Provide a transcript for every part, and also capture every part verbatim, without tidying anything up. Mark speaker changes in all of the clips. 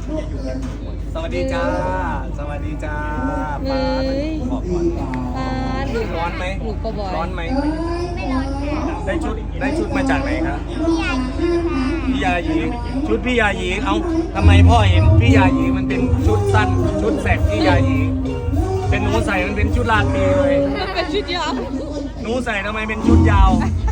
Speaker 1: สวัสดีจ้าสวัสดีจ้า
Speaker 2: เฮ้
Speaker 1: ป้าย ขอบคุณ
Speaker 2: ปาด
Speaker 1: ร้อนไหม
Speaker 2: ลูกปะบอย
Speaker 1: ร้อนไหม
Speaker 3: ไม่ร้อนค่ะ
Speaker 1: ได้ชุดได้ชุดมาจากไหนครับ
Speaker 3: พี่ยายีค่ะ
Speaker 1: พี่ยายีชุดพี่ยายีเอ้าทำไมพ่อเห็นพี่ยายีมันเป็นชุดสั้นชุดแสกพี่ยายีเป็นหนูใส่มันเป็นชุดลาตรีเลย
Speaker 2: มันเป็นชุดยาว
Speaker 1: หนูใส่ทำไมเป็นชุดยาว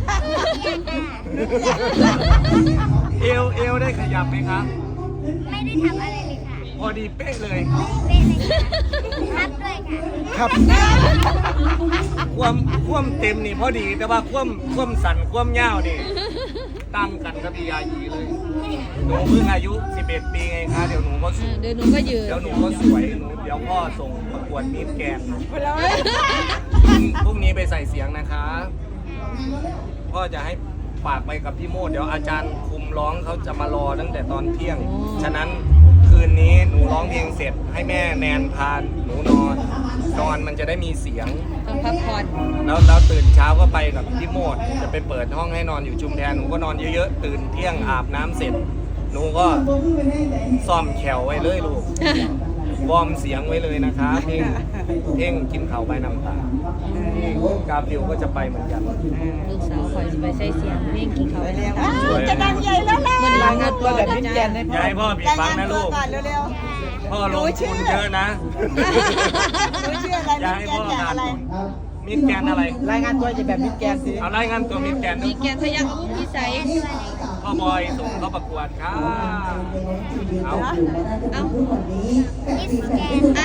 Speaker 1: เอวเอวได้ขยับไหมคะ
Speaker 3: ไม่ได้ทำอะไรเลยค่ะ
Speaker 1: พอดีเป๊ะเลย
Speaker 3: เป็นเลยค่ะรับด้วยค่ะ
Speaker 1: ครับความความเต็มนี่พอดีแต่ว่าความความสั่นความยาวนี่ตั้งกันกับพี่ยายีเลยหนูเพิ่งอายุสิบเอ็ดปีไงคะเดี๋ยวหนูก็ส
Speaker 2: อ่า
Speaker 1: วย
Speaker 2: เดี๋ยวหนูก็ยืน
Speaker 1: เดี๋ยวหนูก็สวยหนูเดี๋ยวพ่อส่งประกวดมิสแกรนด์พรุ่งนี้ไปใส่เสียงนะคะ พ่อจะให้ฝากไปกับพี่โมดเดี๋ยวอาจารย์คุมร้องเขาจะมารอตั้งแต่ตอนเที่ยง ฉะนั้นคืนนี้หนูร้องเพลงเสร็จให้แม่แนนพาหนูนอนนอนมันจะได้มีเสียง
Speaker 2: ต้องพักผ่อน
Speaker 1: แล้วแล้วตื่นเช้าก็ไปกับพี่โมดจะไปเปิดห้องให้นอนอยู่ชุมแพหนูก็นอนเยอะๆตื่นเที่ยงอาบน้ำเสร็จหนูก็ซ่อมแขวไว้เลยลูกวอร์มเสียงไว้เลยนะคะเพลงเพลงกินข้าวใบน้ำตานี่กาฟิวก็จะไปเหมือนกัน
Speaker 2: ลูกสาวคอยจะไปใช้เสียงเพลงกินเขาวแล้ว
Speaker 1: สวย
Speaker 4: จะดังใหญ่แล้วแหละ
Speaker 2: มันรายงานตัวแบบนี้
Speaker 4: จ้า
Speaker 1: อย่าให้พ่อผิดฟังนะลูก
Speaker 4: ก่อนเร็ว
Speaker 1: พ่อลงทุนเยอะนะ
Speaker 4: ๆหนูชื่ออะไร
Speaker 1: อย่า
Speaker 4: มิ
Speaker 1: ให้
Speaker 4: สแก
Speaker 1: พ่อน
Speaker 4: จาก
Speaker 1: ขาด
Speaker 4: อะไร
Speaker 1: ทุนมิดแกนอะไร
Speaker 4: รายงานตัวจะแบบมิสแกนสิ
Speaker 1: เอารายงานตัวมิดแกนด้
Speaker 2: มี
Speaker 1: วย
Speaker 2: แกนทะยักอุ้มพิสัย
Speaker 1: พ่อบอยส่งเข้าประกวดค่ะเอา
Speaker 2: เอ้า
Speaker 3: มิสแกน
Speaker 2: ไอ้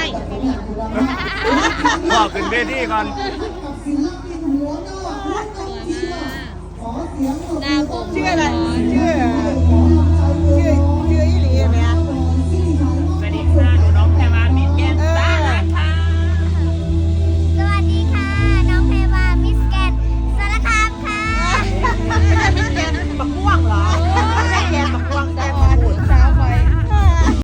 Speaker 1: พ่อขึ้นเวทีก่อน
Speaker 2: สวยมากหน้าผม
Speaker 4: ชื่ออะไรชื่อ